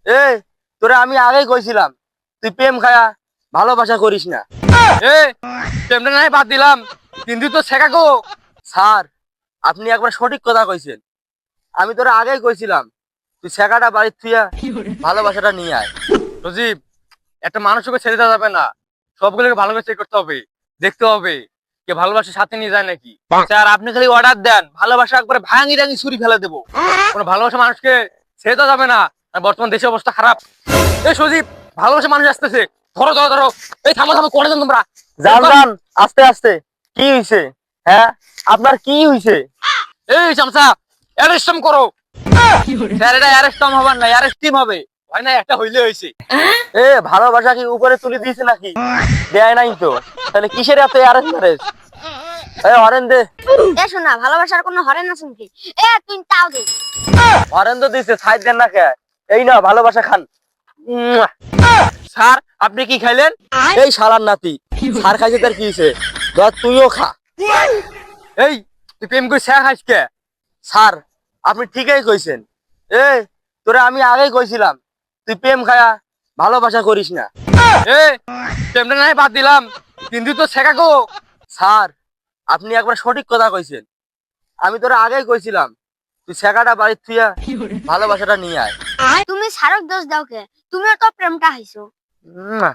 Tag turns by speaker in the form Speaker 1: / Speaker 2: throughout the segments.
Speaker 1: এ তোরে আমি আগেই কইছিলাম তুই প্রেম খায়া ভালোবাসা করিস না।
Speaker 2: এ প্রেমটা নাই বাদ দিলাম, কিন্তু তো শেখা গো।
Speaker 1: স্যার, আপনি একবার সঠিক কথা কইছেন। আমি তোরে আগেই কইছিলাম তুই শেখাটা বাড়ির থুইয়া ভালোবাসাটা নিয়ে আয়।
Speaker 2: সজীব, একটা মানুষকে ছেড়ে দেওয়া যাবে না, সবগুলোকে ভালো করে চেক করতে হবে, দেখতে হবে কে ভালোবাসার সাথে নিয়ে যায় নাকি। স্যার আপনি খালি অর্ডার দেন, ভালোবাসা একবারে ভাঙি রাঙি ছুরি ফেলে দেবো। কোনো ভালোবাসা মানুষকে ছেড়ে দেওয়া যাবে না, আর বর্তমান দেশের অবস্থা খারাপ। এই সজীব, ভালোবাসা মানুষ আসতেছে, ধরো ধরো ধরো। এই থামো থামো, করে দেন তোমরা।
Speaker 1: যান যান, আস্তে আস্তে। কি হইছে? হ্যাঁ, আপনার কি হইছে?
Speaker 2: এই চামচা, অ্যারেস্ট করো। স্যার এটা অ্যারেস্ট হবার না, অ্যারেস্ট টিম হবে। হয় না, একটা হইলে হয়েছে।
Speaker 1: এ ভালোবাসা কি উপরে তুলে দিয়েছে নাকি? দেয় নাই তো, তাহলে কিসের এত আরেস ম্যারেজ? হরেন দে।
Speaker 3: এ শোনা, ভালোবাসার কোনো হরেন আছে নাকি? এ তুই তাও দে।
Speaker 1: হরেন তো দিছে, সাইড দেন না কে? এই না, ভালোবাসা খান। মুয়া।
Speaker 2: স্যার আপনি কি খাইলেন?
Speaker 1: এই শালার নাতি, সার খাইছে তার কি হইছে? ধর তুইও খা।
Speaker 2: এই তুই প্রেম করে শেখ আজকে।
Speaker 1: স্যার, আপনি ঠিকই কইছেন। এ তোরে আমি আগেই কইছিলাম তুই প্রেম খায়া ভালোবাসা করিস না।
Speaker 2: এ প্রেমটা নাই বাদ দিলাম, কিন্তু তো শেখা গো।
Speaker 1: স্যার, আপনি একবার সঠিক কথা কইছেন। আমি তোরে আগেই কইছিলাম তুই শেখাটা বাড়ির থুইয়া ভালোবাসাটা নিয়ে আয়।
Speaker 3: তুমি সারক দোষ দাও কে? তুমিও তো প্রেমটা হাইছো।
Speaker 1: মুয়া।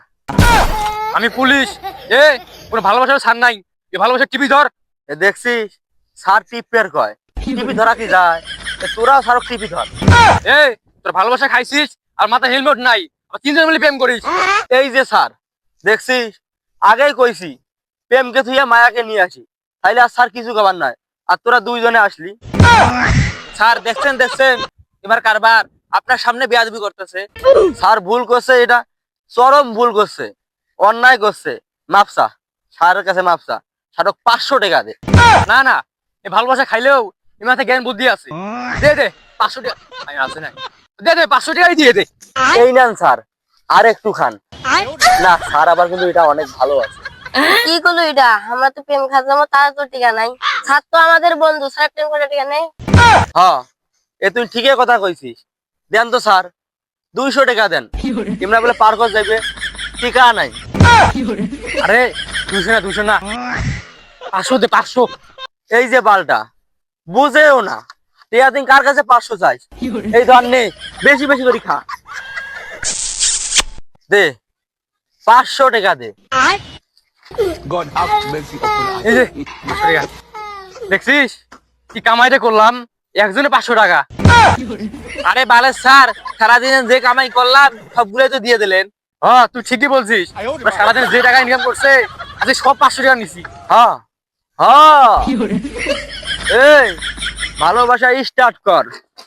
Speaker 2: আমি পুলিশ। এ কোনো ভালোবাসার ছাড় নাই, এ ভালোবাসা টিভি ধর।
Speaker 1: এ দেখছিস, স্যার টিপের কয় টিপি ধরা কি যায়? তোরাও স্যারক টিপি ধর।
Speaker 2: এ তোর ভালোবাসা খাইছিস আর মাথা হেলমেট নাই, আর তিনজন মিলে প্রেম করিস।
Speaker 1: এই যে স্যার, দেখছিস, আগেই কইছি প্রেমকে থুইয়া মায়াকে নিয়ে আসি, তাইলে আর স্যার কিছু খাবার নাই। আর তোরা দুইজনে আসলি।
Speaker 2: স্যার দেখছেন দেখছেন, এবার কারবার আপনার সামনে বেয়াদবি করতেছে।
Speaker 1: স্যার ভুল করছে, এটা চরম ভুল করছে, অন্যায় করছে। মাপসা, স্যারের কাছে মাপসা। স্যারক 500 টাকা দে।
Speaker 2: না না, এ ভালোবাসা খাইলেও এ মাথায় জ্ঞান বুদ্ধি আছে। দে দে 500 টাকা। আমি আছে না, দে দে 500 টাকাই দিয়ে দে।
Speaker 1: এই নেন স্যার, আর একটু খান। না স্যার, আবার কিন্তু এটা অনেক ভালো আছে।
Speaker 3: কি করলো এটা? আমরা তো প্রেম খাজামো, তার তো টিকা নাই। স্যার তো আমাদের বন্ধু, স্যার প্রেম করে টিকা নেই।
Speaker 1: হ্যাঁ, এ তুই ঠিকই কথা কইছিস। দেন তো স্যার, 200 টাকা দেন। তোমরা বলে পার করে যাবে, টিকা নাই।
Speaker 2: আরে 200 না 500 দে 500।
Speaker 1: এই যে বালটা বুঝেও না, টিয়া দিন কার কাছে 500 চাইস? এই ধর নে, বেশি বেশি করে খা। দে 500 টাকা দে।
Speaker 2: এই যে 500 টাকা দেখছিস কি কামাইটা করলাম, একজনে 500 টাকা।
Speaker 1: আরে বালের স্যার, সারাদিনে যে কামাই করলাম সবগুলোই তো দিয়ে দিলেন।
Speaker 2: হ্যাঁ তুই ঠিকই বলছিস, এবার সারাদিন যে টাকা ইনকাম করছে আজকে সব 500 টাকা নিছি।
Speaker 1: হ্যাঁ হ্যাঁ, এই ভালোবাসা স্টার্ট কর।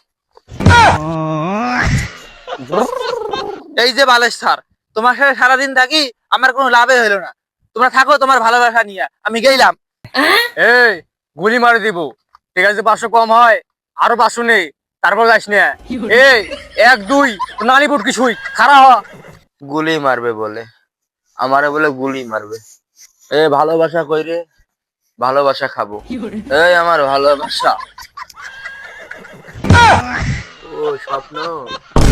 Speaker 1: এই যে বালের স্যার, তোমার সাথে সারাদিন থাকি আমার কোনো লাভই হলো না। তোমরা থাকো তোমার ভালোবাসা নিয়ে, আমি গেলাম।
Speaker 2: এই গুলি মারি দিব, ঠিক আছে? 500 কম হয়, আরো 500 নেই, তারপর যাস না। এই 1 2 নালিপুর কিছুই খারাপ হ।
Speaker 1: গুলি মারবে বলে, আমারে বলে গুলি মারবে। এ ভালোবাসা কইরে, ভালোবাসা খাবো। এই আমার ভালোবাসা। ও স্বপ্ন।